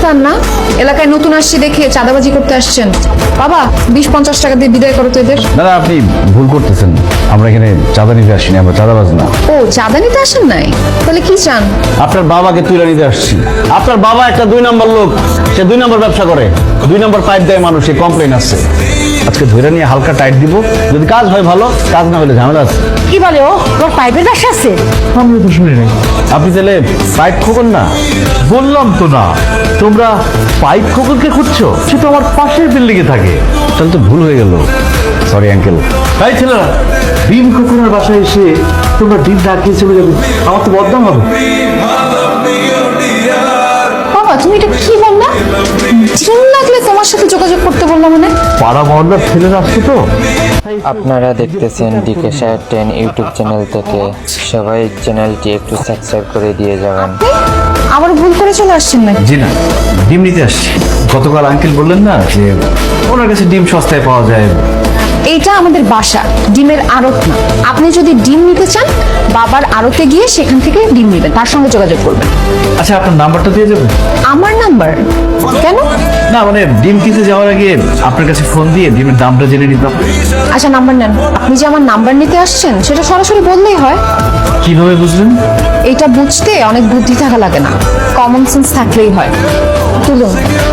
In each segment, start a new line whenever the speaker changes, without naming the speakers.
দোকানদার না, এলাকায় নতুন আসছি দেখে চাঁদাবাজি করতে আসছেন। বাবা 20-50 টাকা দিয়ে বিদায় করো তো এদের।
দাদা আপনি ভুল করতেছেন, আমরা এখানে চাঁদা নিতে আসিনি, আমরা চাঁদাবাজ না।
ও, চাঁদা নিতে আসেন নাই? তাহলে কি চান?
আপনার বাবাকে তুলে নিতে আসছি। আপনার বাবা একটা 2 নম্বর লোক, সে 2 নম্বর ব্যবসা করে, 2 নম্বর পাইপ দেয় মানুষের কমপ্লেন আছে। আজকে ধরে নিয়ে হালকা টাইট দিব, যদি কাজ হয় ভালো, কাজ না হলে ঝামেলা আছে।
কি বলে ও, তোর পাইপের ব্যবসা আছে?
আমি তো শুনি নাই। আপনি তাহলে পাইপ খোকন না?
বললাম তো না, তোমরা পাইপ খোকনকে খুঁজছো, সে তো আমার পাশের বিল্ডিং এ থাকে।
তাহলে তো ভুল হয়ে গেল, সরি আঙ্কেল।
তাই ছেলেরা, ডিম খোকনের বাসায় এসে তোমরা ডিম ডাকিয়ে চলে যাবে, আমার তো বদনাম হবে।
বাবা তুমি এটা কি বললা? ডিম লাগলে তোমার সাথে যোগাযোগ করতে বললাম মানে?
পাড়া মহল্লার ছেলেরা আসছে তো।
আপনারা দেখতেছেন ডিকে শাহের 10 ইউটিউব চ্যানেল থেকে। সবাই চ্যানেলটি একটু সাবস্ক্রাইব করে দিয়ে যাবেন।
আবার ভুল করে চলে আসছেন নাকি?
জি না, ডিম নিতে আসছি। গতকাল আঙ্কেল বললেন না যে ওনার কাছে ডিম সস্তায় পাওয়া যায়।
এইটা আমাদের বাসা, ডিমের আড়ত না। আপনি যদি ডিম নিতে চান, বাবার আড়তে গিয়ে সেখান থেকে ডিম নেবেন, তার সঙ্গে যোগাযোগ করবেন।
আচ্ছা, আপনার নাম্বারটা দিয়ে যাবেন?
আমার নাম্বার কেন?
না মানে ডিম কিনতে যাওয়ার আগে আপনার কাছে ফোন দিয়ে ডিমের দামটা জেনে নিতাম।
আচ্ছা নাম্বার নেন। আপনি যে আমার নাম্বার নিতে আসছেন সেটা সরাসরি বললেই হয়।
কিভাবে বুঝলেন?
এটা বুঝতে অনেক বুদ্ধি থাকা লাগে না, কমন সেন্স থাকলেই হয়। তুলুন।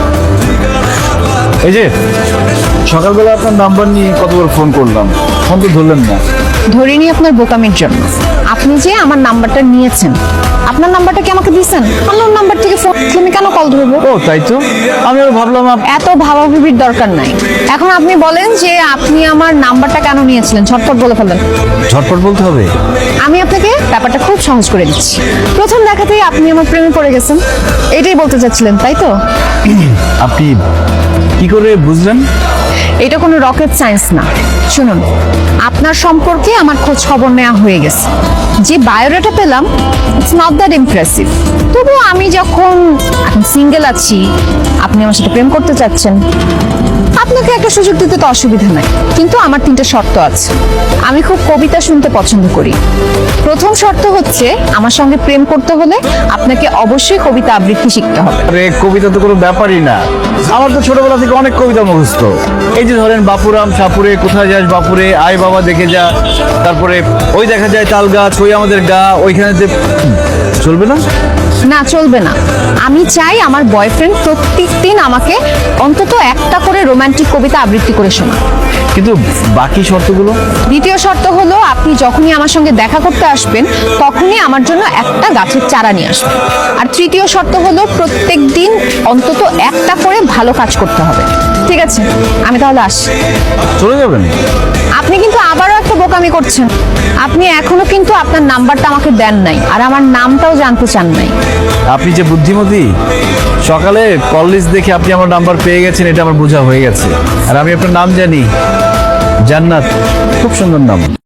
এই যে সকালবেলা আপনার নাম্বার নিয়ে কতবার ফোন করলাম, ফোন তো ধরলেন না।
ধরিনি আপনার বোকামির জন্য। আপনি যে আমার নাম্বারটা নিয়েছেন, আপনার নাম্বারটা কি আমাকে দিয়েছেন? আমার নাম্বার থেকে ফোন আমি কেন কল ধরবো?
ও তাই তো, আমি আবার ভাবলাম
এত ভাবাভাবির দরকার নাই। এখন আপনি বলেন যে আপনি আমার নাম্বারটা কেন নিয়েছিলেন, ঝটপট বলে ফেলেন।
ঝটপট বলতে হবে।
আমি আপনাকে ব্যাপারটা খুব সহজ করে দিচ্ছি। প্রথম দেখাতেই আপনি আমার প্রেমে পড়ে গেছেন, এটাই বলতে চাচ্ছিলেন তাই তো?
আপনি কি করে বুঝলেন?
এটা কোনো রকেট সায়েন্স না। শুনুন, আপনার সম্পর্কে আমার খোঁজ খবর নেওয়া হয়ে গেছে। যে বায়োডাটা পেলাম, ইটস নট দ্যাট ইমপ্রেসিভ। তবুও আমি যখন এখন সিঙ্গেল আছি, আপনি আমার সাথে প্রেম করতে চাচ্ছেন, আপনাকে একটা সুযোগ দিতে তো অসুবিধা নাই। কিন্তু আমার 3টা শর্ত আছে। আমি খুব কবিতা শুনতে পছন্দ করি। প্রথম শর্ত হচ্ছে, আমার সঙ্গে প্রেম করতে হলে আপনাকে অবশ্যই কবিতা আবৃত্তি শিখতে হবে।
আরে কবিতা তো কোনো ব্যাপারই না, আমার তো ছোটবেলা থেকে অনেক কবিতা মুখস্থ। এই যে ধরেন বাপুরাম সাপুরে, কোথায় যাস বাপুরে, আয় বাবা দেখে যা, তারপরে ওই দেখা যায় তাল গাছ, ওই আমাদের গা, ওইখানে চলবে না?
না, চলবে না। আমি চাই আমার বয়ফ্রেন্ড প্রত্যেক দিন আমাকে অন্তত একটা করে রোমান্টিক কবিতা আবৃত্তি করে শোনা।
কিন্তু বাকি শর্তগুলো?
দ্বিতীয় শর্ত হলো, আপনি যখনই আমার সঙ্গে দেখা করতে আসবেন, তখনই আমার জন্য একটা গাছের চারা নিয়ে আসবেন। আর তৃতীয় শর্ত হলো, প্রত্যেক দিন অন্তত একটা করে ভালো কাজ করতে হবে। ঠিক আছে, আমি তাহলে আসি।
চলে যাবেন?
আপনি কিন্তু আবারও একটা বোকামি করছেন। আপনি এখনো কিন্তু আপনার নাম্বারটা আমাকে দেন নাই, আর আমার নামটাও জানতে চান নাই।
আপনি যে বুদ্ধিমতী, সকালে কল লিস্ট দেখে আপনি আমার নাম্বার পেয়ে গেছেন, এটা আমার বোঝা হয়ে গেছে। আর আমি আপনার নাম জানি, জান্নাত, খুব সুন্দর নাম।